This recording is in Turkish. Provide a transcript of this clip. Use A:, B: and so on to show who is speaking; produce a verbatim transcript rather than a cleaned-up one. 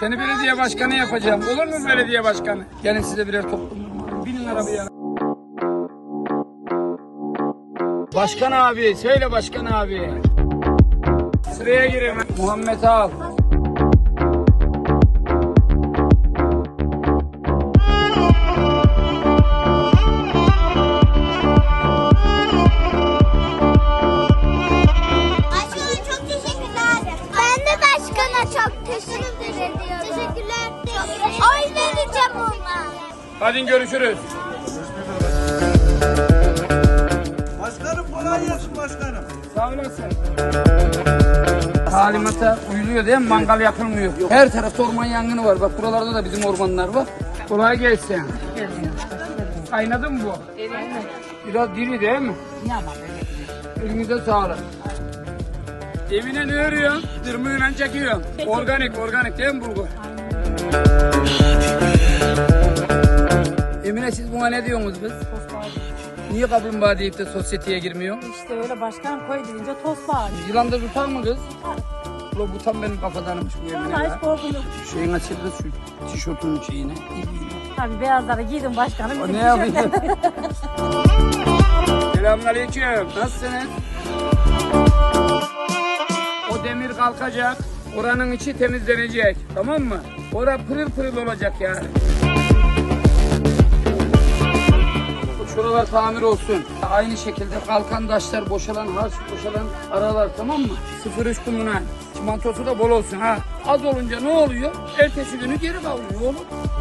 A: Seni belediye başkanı yapacağım. Olur mu belediye başkanı? Gelin size birer toplum. Binin arabaya. Başkan abi, söyle başkan abi. Sıraya girin. Muhammed al.
B: Oy vereceğim ona.
A: Hadi görüşürüz.
C: Başkanım kolay gelsin başkanım.
A: Sağ olasın. Talimata uyuluyor değil mi? Mangal yapılmıyor. Her tarafta orman yangını var. Bak buralarda da bizim ormanlar var. Kolay gelsin. Kaynadı mı bu? Evet. Biraz diri değil mi? Elinize sağlık. Evine ne örüyorsun? Dırmığıyla çekiyorsun. Organik, organik değil mi bulgur? Emine siz buna ne diyorsunuz biz? Niye kaplumbağa deyip de sosyeteye girmiyor?
D: İşte öyle başkan koy deyince toz bağır.
A: Yılanda tutar mı kız? Ulan bu tam benim kafadanmış bu Emine
D: Vallahi
A: ya.
D: hiç korkum yok.
A: Şeyin açıldı şu tişörtünün şeyine.
D: Tabii beyazları giydim başkanım.
A: O
D: bizim
A: ne yapayım?
D: tişörtler.
A: Selamünaleyküm. Nasılsınız? O demir kalkacak. Oranın içi temizlenecek. Tamam mı? Ora pırıl pırıl olacak yani. Şuralar tamir olsun. Aynı şekilde kalkan taşlar, boşalan harç, boşalan aralar, tamam mı? sıfır üç kumuna. Çimentosu da bol olsun ha. Az olunca ne oluyor? Ertesi günü geri kalıyor oğlum.